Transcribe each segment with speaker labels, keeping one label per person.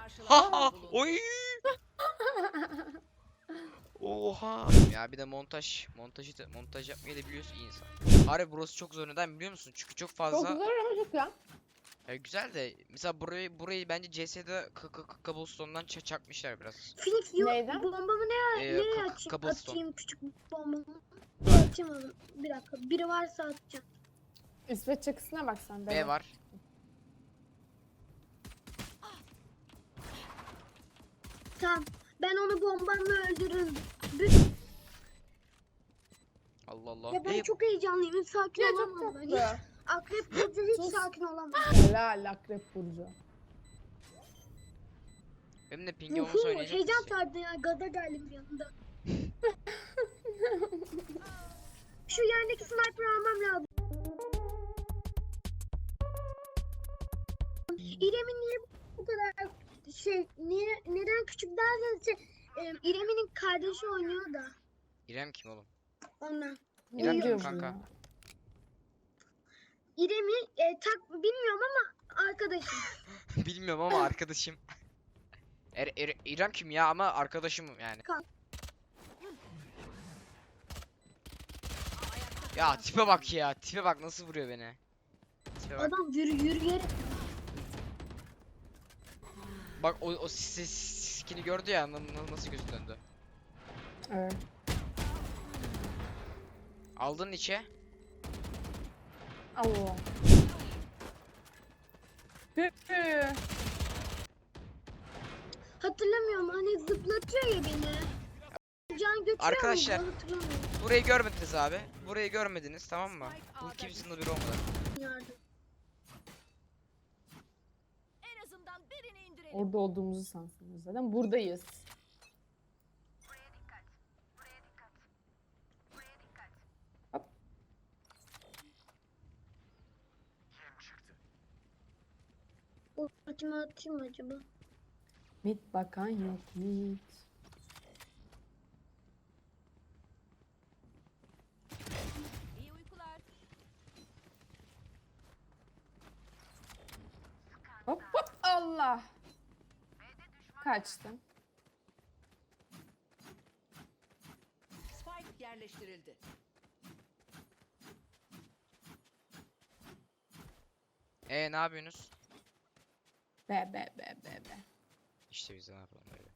Speaker 1: Ha oy. Oha. Ya bir de montaj yapmayı da biliyorsun iyi insan. Harbi burası çok zor, neden biliyor musun? Çünkü çok
Speaker 2: Çok
Speaker 1: fazla.
Speaker 2: zor ama çok ya.
Speaker 1: Güzel de mesela burayı bence CS'de cobblestone'dan çakmışlar biraz.
Speaker 3: Phoenix yok.
Speaker 2: Neyden?
Speaker 3: Bombamı nereye
Speaker 1: Cobblestone.
Speaker 3: atayım küçük bombamı? Nereye atayım onu? Bir dakika. Biri varsa atacağım.
Speaker 2: İsveç çakısına bak sen.
Speaker 1: B var.
Speaker 3: Tamam. Ben onu bombamla öldürürüm.
Speaker 1: Allah Allah.
Speaker 3: Ya ben çok heyecanlıyım. Sakin
Speaker 2: Ya çok
Speaker 3: olamam ben.
Speaker 2: tatlı.
Speaker 3: Akrep Burcu hiç
Speaker 2: Sus.
Speaker 3: sakin olamam.
Speaker 2: Helal Akrep Burcu.
Speaker 1: Benim de ping olmuş oynayacak
Speaker 3: Heyecan
Speaker 1: mısın?
Speaker 3: sardı ya. Gaza geldim bir anda. Şu yerdeki sniper almam lazım. İrem'in niye bu kadar neden küçük derseniz İrem'in kardeşi oynuyor da
Speaker 1: İrem kim oğlum?
Speaker 3: ondan.
Speaker 2: Ne
Speaker 1: İrem
Speaker 2: diyor bu
Speaker 1: kanka.
Speaker 2: ya?
Speaker 3: İrem'i bilmiyorum ama arkadaşım.
Speaker 1: Bilmiyorum ama arkadaşım. İrem kim ya, ama arkadaşım yani. Ya tipe bak ya, tipe bak nasıl vuruyor beni. Tipe bak.
Speaker 3: Adam yürüyerek.
Speaker 1: Bak o skin'i gördü ya, nasıl gözü döndü.
Speaker 2: Evet.
Speaker 1: Aldın içe.
Speaker 2: Allah.
Speaker 3: Hatırlamıyorum hani zıplatıyor ya beni. Can götürüyor
Speaker 1: Arkadaşlar.
Speaker 3: muydu? Hatırlamıyorum.
Speaker 1: Burayı görmediniz abi. Burayı görmediniz, tamam mı? Bu kimsenin bir olmadı.
Speaker 3: Yardım.
Speaker 4: En azından birini indirelim.
Speaker 2: Orada olduğumuzu sansınız zaten. Buradayız. Hop.
Speaker 3: Ultimi atayım mı acaba?
Speaker 2: Mit bakan yok mit.
Speaker 4: İyi uykular.
Speaker 2: Hop hop Allah. Kaçtım.
Speaker 4: Spike yerleştirildi.
Speaker 1: Ne yapıyorsunuz?
Speaker 2: Be.
Speaker 1: İşte biz de ne yapalım böyle.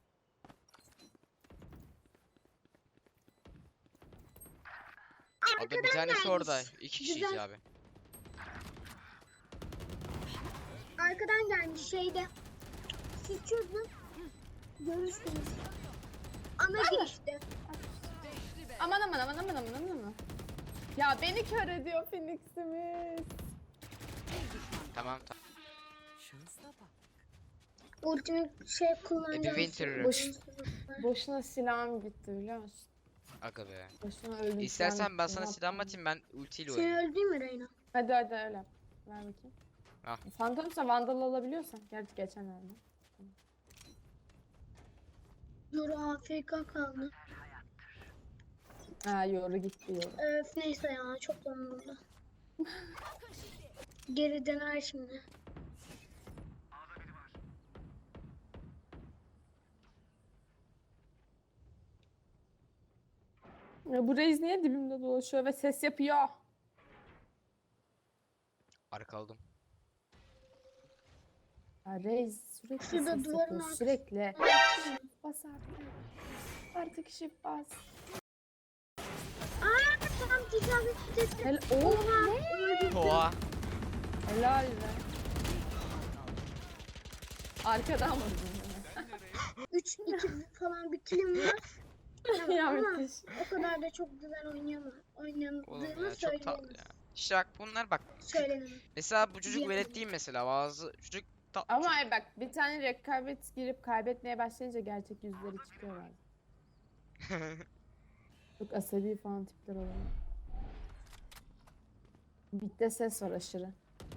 Speaker 1: Abi bir tanesi orada. İki kişiyiz
Speaker 3: Güzel.
Speaker 1: abi.
Speaker 3: Arkadan gelmiş şeyde. Siz çözün. Görürsünüz. Ana girişte.
Speaker 4: Beşli be.
Speaker 2: Aman. Ya beni kör ediyor Phoenix'imiz.
Speaker 4: Bir düşman.
Speaker 1: Tamam.
Speaker 4: Şansla bak.
Speaker 3: Ultimi kullanacağım.
Speaker 1: Winter.
Speaker 2: Boşuna silahım gitti biliyor musun?
Speaker 1: Aga be.
Speaker 2: Boşuna öldüm.
Speaker 1: İstersen ben sana silah atayım, ben ultiyle
Speaker 3: Seni
Speaker 1: oynayayım.
Speaker 3: öldüreyim mi Reyna?
Speaker 2: Hadi öyle yap. Ver bakayım.
Speaker 1: Al.
Speaker 2: Phantom'sa Vandal alabiliyorsan. Gerçi geçen verdim.
Speaker 3: Yoru AFK kaldı.
Speaker 2: Ha yoru gitti yoru.
Speaker 3: Neyse ya çok donuldu. Geri döner şimdi.
Speaker 2: Ya bu Reis niye dibimde dolaşıyor ve ses yapıyor?
Speaker 1: Arkaladım.
Speaker 2: Ya Reis sürekli
Speaker 3: Şurada
Speaker 2: ses
Speaker 3: duvarın
Speaker 2: yapıyor
Speaker 3: arkası-
Speaker 2: sürekli. Bas artık. Artık shift bas.
Speaker 3: Tam tecavüz etti.
Speaker 2: Oha ne?
Speaker 3: Öldürdüm.
Speaker 1: Oha.
Speaker 2: Helal be. Arkadan vurdun beni.
Speaker 3: 3-2 falan bir kilim var.
Speaker 2: Ya
Speaker 3: Ama
Speaker 2: müthiş.
Speaker 3: o kadar da çok güzel
Speaker 1: Oğlum
Speaker 3: oynadığımı
Speaker 1: ya çok tatlı
Speaker 3: söyleyemem.
Speaker 1: ya. İşte bak bunlar bak.
Speaker 3: Söylenemem.
Speaker 1: Mesela bu çocuk
Speaker 3: Diyemem.
Speaker 1: velet değil mesela. Bazı çocuk
Speaker 2: Ama hayır bak bir tane rekabet girip kaybetmeye başlayınca gerçek yüzleri çıkıyor bazen. Çok asabi falan tipler oluyor. Bitte ses var aşırı.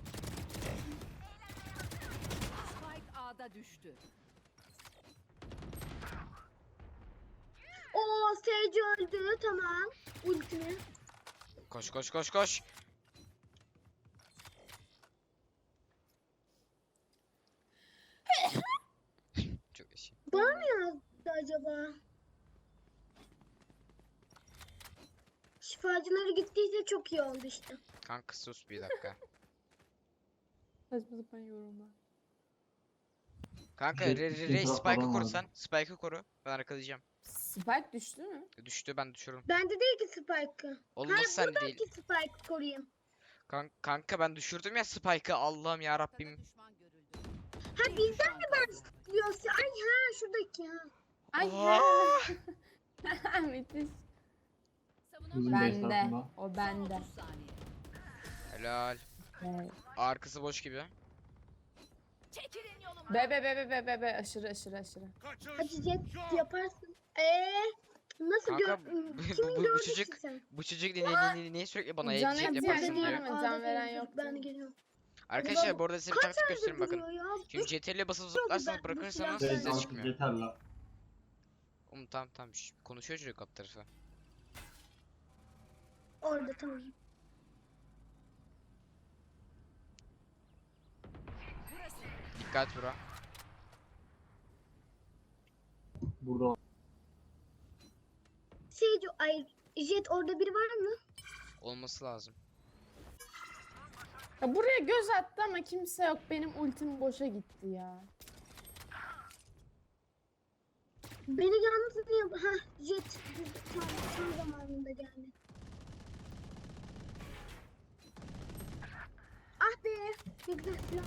Speaker 4: Spike A'da düştü.
Speaker 3: Oo Sage öldü tamam. Ultimi.
Speaker 1: Koş.
Speaker 3: canları gittiyse çok iyi oldu işte.
Speaker 1: Kanka sus bir dakika.
Speaker 2: Saçma sapan yorumlar.
Speaker 1: Kanka
Speaker 5: Jet
Speaker 1: re
Speaker 5: gittiğin taraf
Speaker 1: Spike'ı
Speaker 5: adam
Speaker 1: koru
Speaker 5: vardı.
Speaker 1: sen. Spike'ı koru. Ben arkalayacağım.
Speaker 2: Spike düştü mü?
Speaker 1: Düştü, ben düşürürüm.
Speaker 3: Bende değil ki Spike'ı.
Speaker 1: Oğlum nasıl sende değil?
Speaker 3: Ki Spike'ı koruyayım.
Speaker 1: Kanka ben düşürdüm ya Spike'ı, Allah'ım ya
Speaker 4: Ortada
Speaker 1: Rabbim.
Speaker 4: düşman görüldü.
Speaker 3: Ha
Speaker 4: Bir
Speaker 3: bizden
Speaker 4: düşman kaldı.
Speaker 3: Diyorsa ay ha şuradaki ha.
Speaker 2: Ay
Speaker 1: Aa!
Speaker 2: müthiş.
Speaker 5: Bizim
Speaker 4: Savunamadım.
Speaker 5: base
Speaker 2: Bende.
Speaker 5: tarafında.
Speaker 2: O
Speaker 4: Son
Speaker 2: bende.
Speaker 4: 30 saniye.
Speaker 1: Helal.
Speaker 2: Evet.
Speaker 1: Arkası boş gibi.
Speaker 4: Çekilin yoluma.
Speaker 2: Be aşırı.
Speaker 3: Hadi Jet yaparsın. Nasıl
Speaker 1: Kanka,
Speaker 3: kimin
Speaker 1: bu
Speaker 3: gördün
Speaker 1: çocuk-
Speaker 3: ki sen?
Speaker 1: Bu çocuk niye sürekli bana
Speaker 2: Can
Speaker 1: edecek
Speaker 2: ihtiyacı
Speaker 1: yaparsın
Speaker 2: var
Speaker 1: diyor.
Speaker 2: mı? Can veren yok.
Speaker 3: Ben de geliyorum.
Speaker 1: Arkadaşlar bu arada size bir taktik göstereyim bakın.
Speaker 3: Duruyor ya.
Speaker 1: Şimdi CTRL'e basıp zıplarsanız
Speaker 3: ben-
Speaker 1: bırakırsanız
Speaker 3: bu
Speaker 5: Şey,
Speaker 1: size
Speaker 3: silah-
Speaker 1: çıkmıyor.
Speaker 5: yeter la.
Speaker 1: Tamam. Konuşuyor çocuk alt tarafı.
Speaker 3: Orada tamam.
Speaker 4: Burası.
Speaker 1: Dikkat bura.
Speaker 5: Burada
Speaker 3: Ay Jet orada biri var mı?
Speaker 1: Olması lazım.
Speaker 2: Ya buraya göz attı ama kimse yok. Benim ultim boşa gitti ya.
Speaker 3: Beni yalnız niye... Ha Jet tam zamanında geldi. Ah be. Ne güzel silah.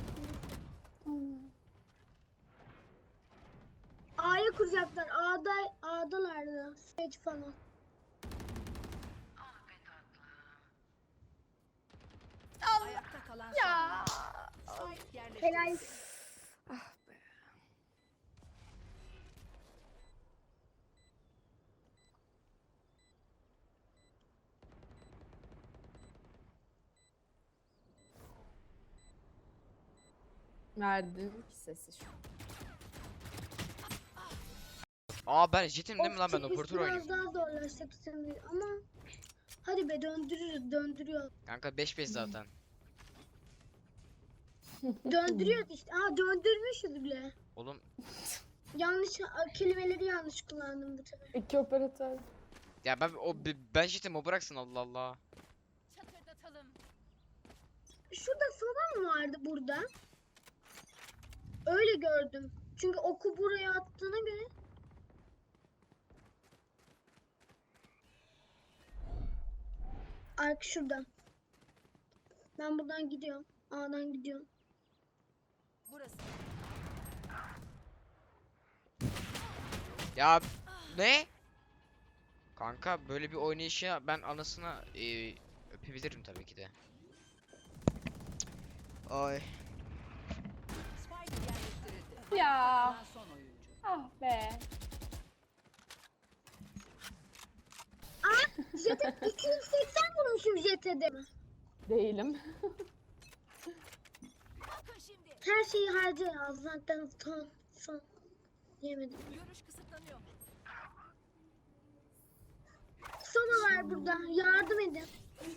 Speaker 3: A'ya kuracaklar. A'dalardı. Sage falan.
Speaker 4: Ayakta kalan
Speaker 2: Ya.
Speaker 4: son. Spike yerleştirildi.
Speaker 3: Helal.
Speaker 2: Verdim ki sesi şu.
Speaker 1: Aa ben jetim değil mi lan, ben
Speaker 3: Of,
Speaker 1: operatör
Speaker 3: biraz
Speaker 1: oynuyorum.
Speaker 3: daha zorlaşacak sanırım ama hadi be döndürüyor.
Speaker 1: Kanka 5-5 zaten.
Speaker 3: Döndürüyor işte. Aa döndürmüşüz bile.
Speaker 1: Oğlum
Speaker 3: Kelimeleri yanlış kullandım bu sefer.
Speaker 2: İki operatör.
Speaker 1: ya ben jetim, o bıraksın, Allah Allah.
Speaker 4: Çatırdatalım.
Speaker 3: Şurada soba mı vardı burada? Öyle gördüm. Çünkü oku buraya attığına göre. Ark şurada. Ben buradan gidiyorum. A'dan gidiyorum.
Speaker 4: Burası.
Speaker 1: Ya ne? Kanka böyle bir oynayışı ben anasına öpebilirim tabii ki de. Ay.
Speaker 4: Spike yerleştirildi.
Speaker 2: Ya.
Speaker 4: Ayakta kalan son oyuncu.
Speaker 2: Ah be.
Speaker 3: Jet'e 280 vurmuşum Jet'e de.
Speaker 2: Değilim.
Speaker 4: Bakın şimdi.
Speaker 3: Her şeyi harcıyor. Zaten son. Yemedim.
Speaker 4: Görüş kısıtlanıyor.
Speaker 3: Sona var burada. Yardım edin.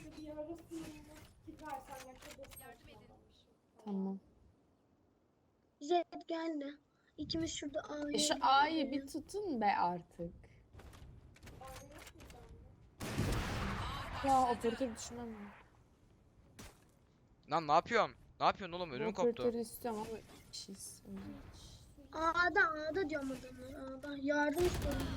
Speaker 2: Tamam.
Speaker 3: Jet geldi. İkimiz şurada A'ya
Speaker 2: Şu A'yı bir tutun be artık. Ya operatör düşünmem lazım.
Speaker 1: Lan ne yapıyorum? Ne yapıyorsun oğlum, ödüm koptu.
Speaker 2: Operatörü istiyorum ama bir şey istemiyorum.
Speaker 3: A'da diyorum adamlar. A'da. Yardım istiyorum.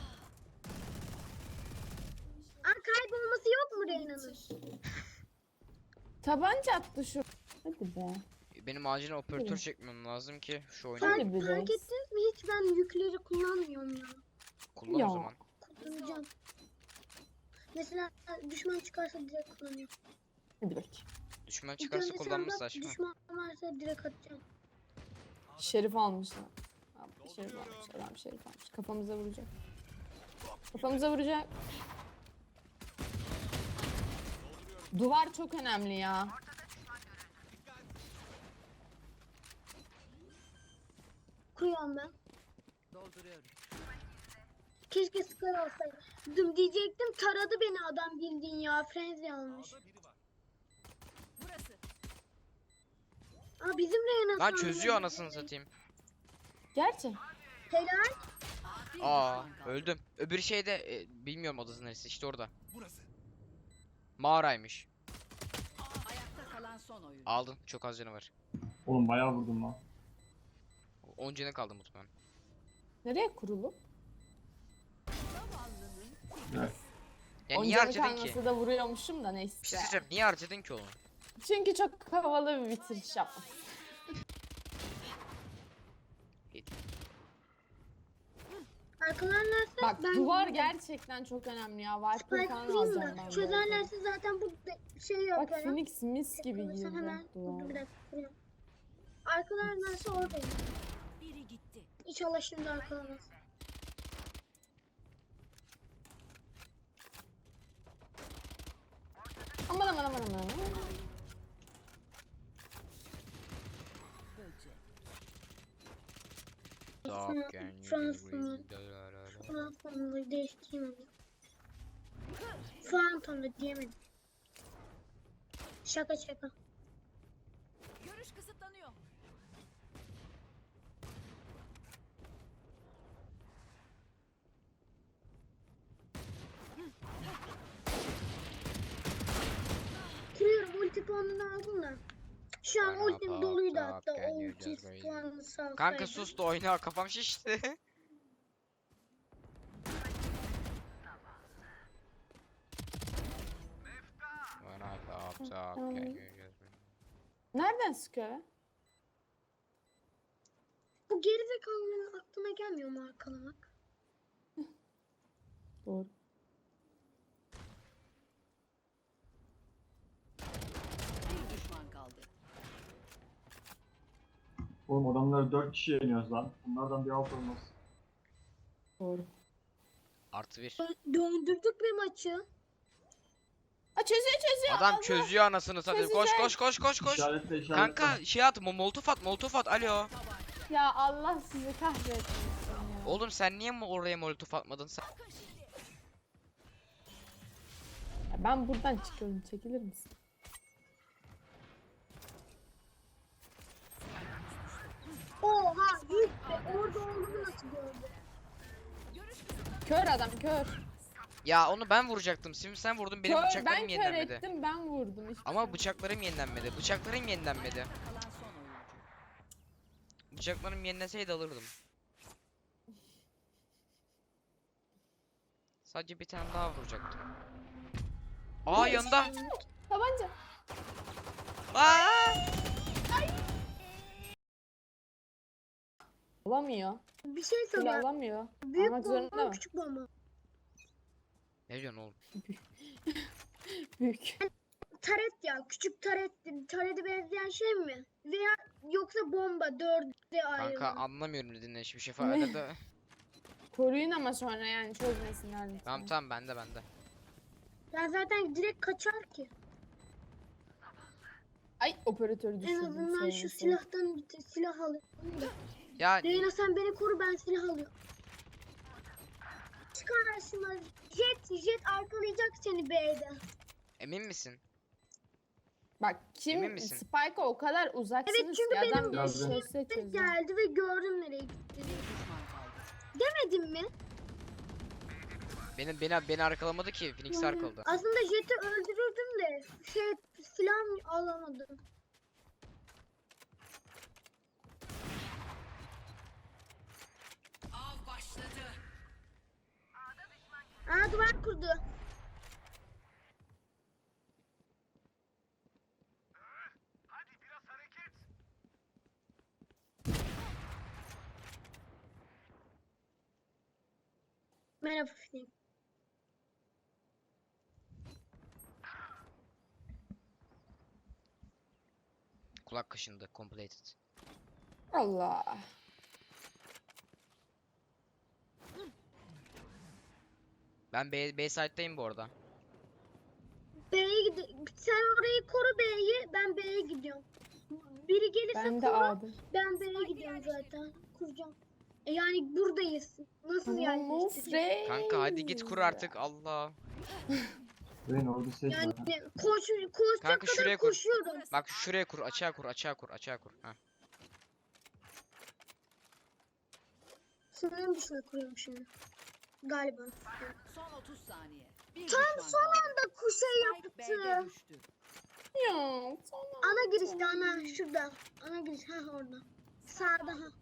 Speaker 3: Kaybolması yok mu Reyna'nın?
Speaker 2: Tabanca attı şu. Hadi be.
Speaker 1: Benim acilen operatör
Speaker 2: Evet.
Speaker 1: çekmem lazım ki şu oyunu
Speaker 2: Hadi
Speaker 3: Fark
Speaker 2: biraz.
Speaker 3: ettiniz mi? Hiç ben yükleri kullanmıyorum ya.
Speaker 1: kullan
Speaker 2: Ya.
Speaker 1: o zaman.
Speaker 3: Kullanacağım. Mesela düşman çıkarsa direkt kullanıyorum.
Speaker 2: Hadi bakayım.
Speaker 1: Düşman
Speaker 3: İlk
Speaker 1: çıkarsa
Speaker 3: önce
Speaker 1: kullanması
Speaker 3: senden
Speaker 1: saçma.
Speaker 3: düşman varsa direkt atacağım.
Speaker 2: Şerif almışlar. Abi, Şerif almış. Adam şerif almış. Kafamıza vuracak. Kafamıza vuracak. Duvar çok önemli ya.
Speaker 3: Kuruyorum ben.
Speaker 4: Dolduruyorum.
Speaker 3: Keşke skor olsaydı. Diyecektim taradı beni adam bildiğin ya. Frenzy almış.
Speaker 4: Burası.
Speaker 3: Bizim Reyna
Speaker 1: Lan
Speaker 3: sandım.
Speaker 1: çözüyor anasını satayım.
Speaker 2: Gerçi.
Speaker 3: Helal.
Speaker 4: Bir
Speaker 1: Aa
Speaker 4: düşman kaldı.
Speaker 1: öldüm. Öbür şeyde bilmiyorum odası neresi, işte orada. Mağaraymış.
Speaker 4: Ayakta kalan son oyun.
Speaker 1: Aldın. Çok az canı var.
Speaker 5: Oğlum bayağı vurdum lan.
Speaker 1: 10 canı kaldı muhtemelen.
Speaker 2: Nereye kurulu?
Speaker 4: Zavallının
Speaker 5: Evet.
Speaker 1: Ya niye
Speaker 2: Oncanı
Speaker 1: harcadın ki?
Speaker 2: kalmasa da vuruyormuşum da neyse.
Speaker 1: Bir şey söyleyeceğim. Niye harcadın ki onu?
Speaker 2: Çünkü çok havalı bir bitiriş yapmak.
Speaker 3: Arkalarlarsa
Speaker 2: Bak
Speaker 3: ben
Speaker 2: duvar gerçekten çok önemli ya. Viper
Speaker 3: Spike
Speaker 2: falan
Speaker 3: kurayım
Speaker 2: alacağım
Speaker 3: mı?
Speaker 2: ben.
Speaker 3: Çözerlerse zaten bu şey
Speaker 2: Bak
Speaker 3: yaparım.
Speaker 2: Phoenix mis gibi
Speaker 3: Sen
Speaker 2: girdi
Speaker 3: hemen dur
Speaker 2: duvara.
Speaker 3: bir dakika kuruyorum. Arkalarlarsa oradayım.
Speaker 4: biri gitti.
Speaker 3: İnşallah şimdi arkalamaz.
Speaker 2: Aman aman aman aman.
Speaker 4: Böcek.
Speaker 3: Fransa'nı değiştiremedim. Phantom'da diyemedim. Şaka şaka.
Speaker 4: Görüş kısıtlanıyor.
Speaker 3: Kırıyorum ulti puanını aldım da. Şu an
Speaker 1: Bana
Speaker 3: ultim doluydu
Speaker 1: bak,
Speaker 3: hatta.
Speaker 1: can
Speaker 3: O
Speaker 1: you
Speaker 3: ulti
Speaker 1: just wait?
Speaker 3: puanını salsaydım.
Speaker 1: Kanka sus da oyna, kafam şişti. When I thought talk, can you just wait?
Speaker 2: Nereden sıkıyor ya?
Speaker 3: Bu gerizekalının aklına gelmiyor mu arkalamak?
Speaker 2: Doğru.
Speaker 4: Bir düşman kaldı.
Speaker 5: Oğlum adamları 4 kişi yeniyoruz lan. Bunlardan bir alt olmaz.
Speaker 2: Doğru.
Speaker 1: Artı bir.
Speaker 3: Döndürdük bir maçı.
Speaker 2: Aa çözüyor.
Speaker 1: Adam
Speaker 2: Allah.
Speaker 1: çözüyor anasını satayım. Koş
Speaker 2: Çözecek.
Speaker 1: koş koş koş koş.
Speaker 5: İşaretle işaretle.
Speaker 1: Kanka şey at, molotof at, molotof at. Alo.
Speaker 2: Ya Allah sizi kahretsin ya.
Speaker 1: Oğlum sen niye oraya molotof atmadın sen?
Speaker 2: Ya ben buradan çıkıyorum. Çekilir misin?
Speaker 3: Oha yuh be. Orada olduğunu nasıl gördü?
Speaker 4: Görüş kısıtlanıyor.
Speaker 2: Kör adam kör.
Speaker 1: Ya onu ben vuracaktım. Şimdi sen vurdun, benim
Speaker 2: Kör
Speaker 1: bıçaklarım
Speaker 2: ben kör
Speaker 1: yenilenmedi.
Speaker 2: ettim ben vurdum. Hiçbir şey
Speaker 1: Ama
Speaker 2: yok.
Speaker 1: bıçaklarım yenilenmedi. Bıçaklarım yenilenmedi.
Speaker 4: Kalan son oyuncu.
Speaker 1: Bıçaklarım yenileseydi alırdım. Sadece bir tane daha vuracaktım. Aa yanında.
Speaker 2: Tabanca.
Speaker 1: Aa!
Speaker 2: Alamıyor.
Speaker 3: Bir şey
Speaker 2: Kule
Speaker 3: söyleyeyim.
Speaker 2: alamıyor.
Speaker 3: Büyük
Speaker 2: Almak zorunda
Speaker 3: bomba
Speaker 2: mı?
Speaker 3: küçük bomba.
Speaker 1: Ne diyorsun oğlum?
Speaker 2: Büyük.
Speaker 3: Taret ya küçük taret. Tarete benzeyen şey mi? Veya yoksa bomba dörde ayrı.
Speaker 1: Kanka anlamıyorum dediğin hiçbir şey
Speaker 2: Ne?
Speaker 1: falan. Arada...
Speaker 2: Koruyun ama sonra yani çözmesinler lütfen.
Speaker 1: Tamam tamam, bende.
Speaker 3: Ya zaten direkt kaçar ki.
Speaker 2: Ay operatörü
Speaker 3: En
Speaker 2: düşürdüm.
Speaker 3: azından şu silahtan bir silah alayım da.
Speaker 1: Ya
Speaker 3: Reyna sen beni koru ben silah alıyorum. Çık karşıma. Jet arkalayacak seni B'de.
Speaker 1: emin misin?
Speaker 2: Bak kim
Speaker 1: Emin misin?
Speaker 2: Spike'a o kadar uzaksınız
Speaker 3: Evet, çünkü
Speaker 2: ki adam
Speaker 3: benim
Speaker 2: bir çözse çözer.
Speaker 3: Geldi ve gördüm nereye gitti.
Speaker 4: Bir düşman kaldı.
Speaker 3: Demedim mi?
Speaker 1: Beni arkalamadı ki. Phoenix arkaladı.
Speaker 3: Aslında Jet'i öldürürdüm de silah alamadım.
Speaker 4: Av başladı.
Speaker 3: Aa duvar kurdu. Merhaba Film.
Speaker 1: Kulak kaşındı. Completed.
Speaker 2: Allah.
Speaker 1: Ben B site'dayım bu arada.
Speaker 3: B'ye gidiyorum. Sen orayı koru B'yi. Ben B'ye gidiyorum. Biri gelirse
Speaker 2: Ben de
Speaker 3: koru.
Speaker 2: A'dım.
Speaker 3: Ben B'ye gidiyorum zaten. Kuracağım. Yani buradayız. Nasıl
Speaker 2: Tamam of
Speaker 3: yerleştireceğiz?
Speaker 2: Rey.
Speaker 1: Kanka hadi git kur artık, Allah.
Speaker 5: Benim orada set
Speaker 3: Yani
Speaker 5: var.
Speaker 3: koşacak
Speaker 1: Kanka
Speaker 3: kadar
Speaker 1: şuraya kur.
Speaker 3: koşuyorum.
Speaker 1: Bak şuraya kur, açığa kur, açığa kur, açığa kur. Heh.
Speaker 3: Sınırın dışına kuruyorum şimdi. Galiba.
Speaker 4: Son 30 saniye. Bir düşman kaldı.
Speaker 3: Da kuşa
Speaker 4: Spike B'de
Speaker 3: yaptı.
Speaker 4: düştü.
Speaker 2: Ya sonra.
Speaker 3: Ana girişte ana şurada. Ana giriş ha orada. Sağda ha.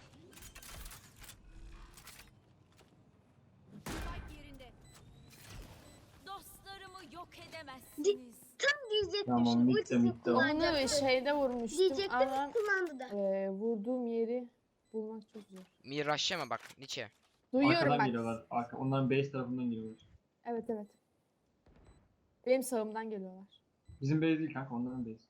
Speaker 6: Spike yerinde. Dostlarımı yok edemezsiniz.
Speaker 3: Tam diyecektim
Speaker 5: Tamam,
Speaker 3: şimdi.
Speaker 5: bitti,
Speaker 3: Ultisini
Speaker 5: bitti.
Speaker 2: Onu
Speaker 3: kullanacaktı.
Speaker 2: şeyde vurmuştum
Speaker 3: Diyecektim
Speaker 2: ama
Speaker 3: kullandı da.
Speaker 2: vurduğum yeri bulmak çok zor.
Speaker 1: Miraşlama bak Nietzsche.
Speaker 2: Duyuyorum
Speaker 5: Arkadan
Speaker 2: bak.
Speaker 5: geliyorlar. Onların base tarafından geliyorlar.
Speaker 2: Evet evet. Benim sağımdan geliyorlar.
Speaker 5: Bizim base değil kanka, onların base.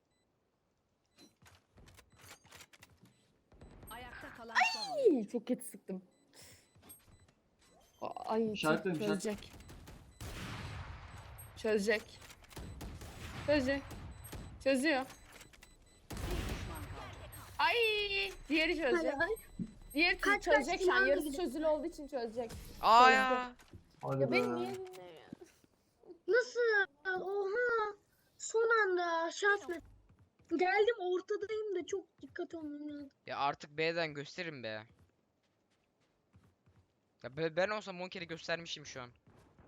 Speaker 4: Ayakta kalan son oyuncu.
Speaker 2: İyi, çok kötü sıktım. Ay
Speaker 5: İşaretledim,
Speaker 2: çözecek. Çözecek. Çözecek. Çözüyor.
Speaker 4: Bir düşman kaldı.
Speaker 2: Ay diğeri çözecek.
Speaker 3: Hadi.
Speaker 2: Diğeri
Speaker 3: Kaç,
Speaker 2: çözecek
Speaker 3: kaç,
Speaker 2: şu an.
Speaker 3: kulağına
Speaker 2: Yarısı
Speaker 3: gidiyor.
Speaker 2: çözülü olduğu için çözecek.
Speaker 1: Aa ya.
Speaker 5: Hadi
Speaker 2: Ya
Speaker 5: be.
Speaker 2: beni niye dinlemiyor?
Speaker 3: Nasıl? Oha. Son anda şans mı? Geldim ortadayım da çok dikkat olmam lazım.
Speaker 1: Ya artık B'den gösterin be. Ya ben olsam 10 kere göstermişim şu an.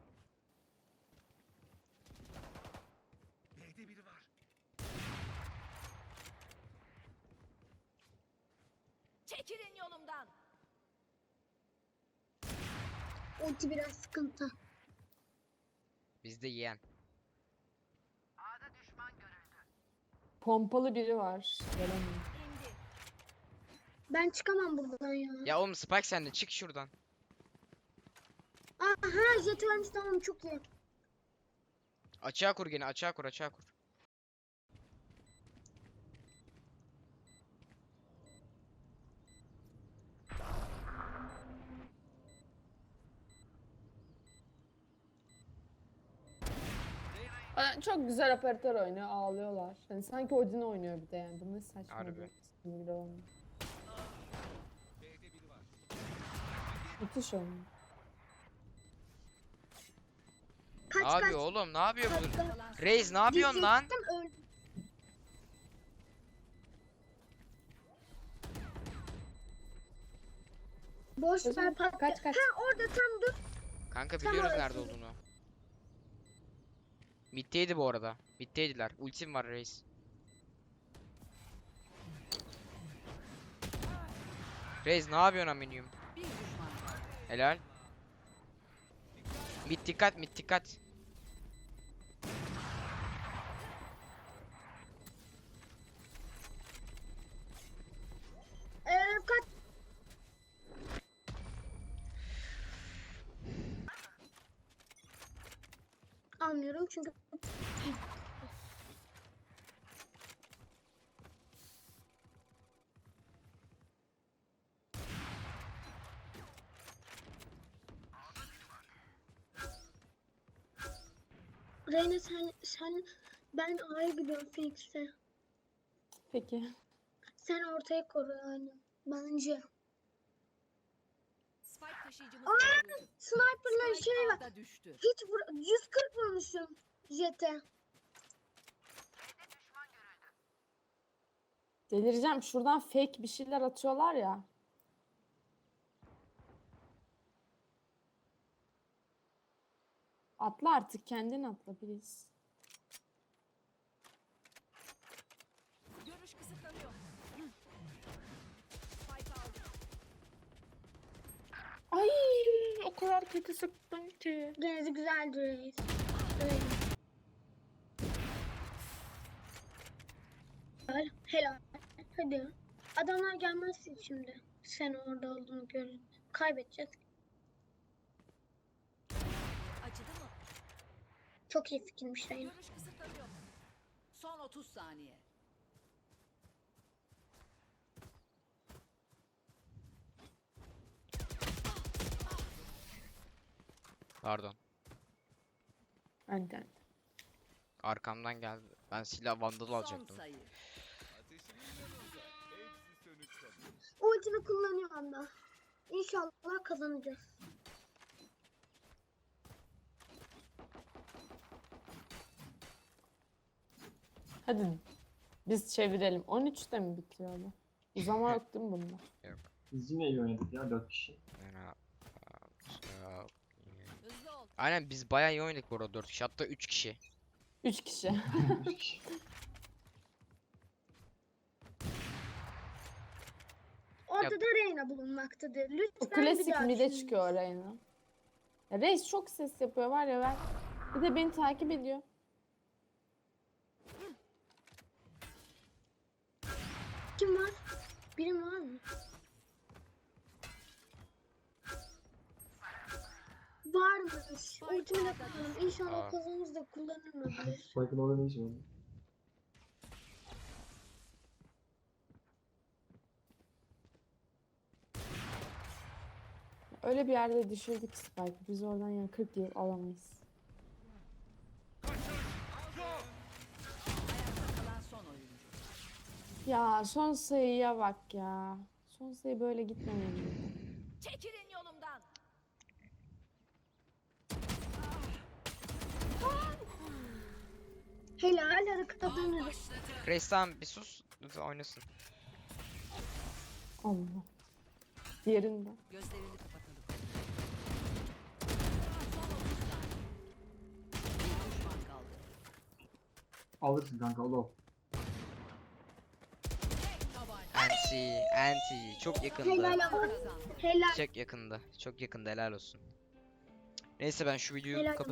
Speaker 6: Çekilin yolumdan.
Speaker 3: Ulti biraz sıkıntı.
Speaker 1: Bizde yeğen.
Speaker 2: Pompalı biri var. Gelemiyor.
Speaker 6: İndi.
Speaker 3: Ben çıkamam buradan ya.
Speaker 1: Ya oğlum Spike sen de çık şuradan.
Speaker 3: Aha jet ölmüş tamam çok iyi.
Speaker 1: Açığa kur gene, açığa kur, açığa kur.
Speaker 2: Çok güzel operatör oynuyor. Ağlıyorlar. Hani sanki Odin oynuyor bir de yani. Bu ne saçma
Speaker 1: Harbi.
Speaker 2: bir sinir olmuyor. Müthiş oynuyor.
Speaker 3: Kaç
Speaker 1: Ne
Speaker 3: kaç.
Speaker 1: yapıyor oğlum? Ne yapıyor bu?
Speaker 3: kaç.
Speaker 4: Kalan son
Speaker 1: Reis ne yapıyorsun lan?
Speaker 3: Diyecektim, öldüm. Boş
Speaker 2: Özlem,
Speaker 3: ver patla.
Speaker 2: kaç, kaç.
Speaker 3: Ha orada tam dur.
Speaker 1: Kanka
Speaker 3: Tam
Speaker 1: biliyoruz
Speaker 3: orası.
Speaker 1: nerede olduğunu. Mid'deydi bu arada. Mid'deydiler. Ultim var reis. Reis ne yapıyorsun aminyum?
Speaker 4: bir düşman kaldı.
Speaker 1: Helal. Mid dikkat, mid dikkat.
Speaker 3: Kaç. Almıyorum çünkü Reyna sen ben A'ya gidiyorum Phoenix'e.
Speaker 2: Peki.
Speaker 3: Sen ortaya koru yani. Bence.
Speaker 6: Spike taşıyıcımız
Speaker 3: Aa!
Speaker 6: öldürüldü.
Speaker 3: Sniper'la
Speaker 4: Spike
Speaker 3: şey var.
Speaker 4: A'da düştü.
Speaker 3: Hiç 140 vurmuşum jete.
Speaker 2: Delireceğim. Şuradan fake bir şeyler atıyorlar ya. Atla artık kendin atla please.
Speaker 6: Görüş kısıtlanıyor. Spike aldı.
Speaker 2: Ay o kadar kötü sıktım ki.
Speaker 3: Denizi güzeldi reis. Helal. Helal. Hadi. Adamlar gelmezsin şimdi. Sen orada olduğunu görün. Kaybedeceğiz.
Speaker 6: Acıdı mı?
Speaker 3: Çok iyi fikirmiş Reyna.
Speaker 6: Görüş kısıtlanıyor.
Speaker 4: Son 30 saniye.
Speaker 1: Pardon.
Speaker 2: Önden.
Speaker 1: Arkamdan geldi. Ben silah vandal
Speaker 4: Son
Speaker 1: alacaktım.
Speaker 4: sayı.
Speaker 3: Ultimi kullanıyorum da. İnşallah kazanacağız.
Speaker 2: Hadi biz çevirelim. 13'te mi bitiyor bu? Uzama yok değil mi bunda?
Speaker 5: Biz yine iyi oynadık ya 4 kişi.
Speaker 1: Fena.
Speaker 6: Hızlı ol.
Speaker 1: Aynen biz bayağı iyi oynadık bu arada 4 kişi hatta 3 kişi.
Speaker 2: 3 kişi.
Speaker 5: 3 kişi.
Speaker 3: Ortada Reyna bulunmaktadır.
Speaker 2: Bu
Speaker 3: Lütfen bir
Speaker 2: klasik
Speaker 3: daha
Speaker 2: mide
Speaker 3: düşünün.
Speaker 2: çıkıyor Reyna. Ya Reis çok ses yapıyor var ya ben. Bir de beni takip ediyor.
Speaker 3: Kim var? Birim var mı? Varmış. Ultimi de kullanırım. İnşallah
Speaker 1: Aa.
Speaker 3: kazanırız da kullanırım öbürleri.
Speaker 5: Spike'ın orada ne işi var?
Speaker 2: Öyle bir yerde düşürdük Spike'ı. Biz oradan yani 40 yıl alamayız.
Speaker 4: Ayakta kalan son oyuncu.
Speaker 2: Ya son sayıya bak ya. Son sayı böyle gitmemeliydi.
Speaker 6: Çekilin yolumdan.
Speaker 3: Helal hadi kazanırız.
Speaker 1: Reis tamam bir sus. Lütfen oynasın.
Speaker 2: Allah. Diğerinde.
Speaker 4: Gözlerini kapatalım. Son 30 saniye. Bir düşman kaldı.
Speaker 5: Alırsın kanka ol.
Speaker 1: Anti çok yakındı.
Speaker 3: Helal ama.
Speaker 4: Kazandı.
Speaker 3: Helal.
Speaker 1: Çok yakında. Çok yakında helal olsun. Neyse ben şu videoyu
Speaker 3: Helal
Speaker 1: kapatayım.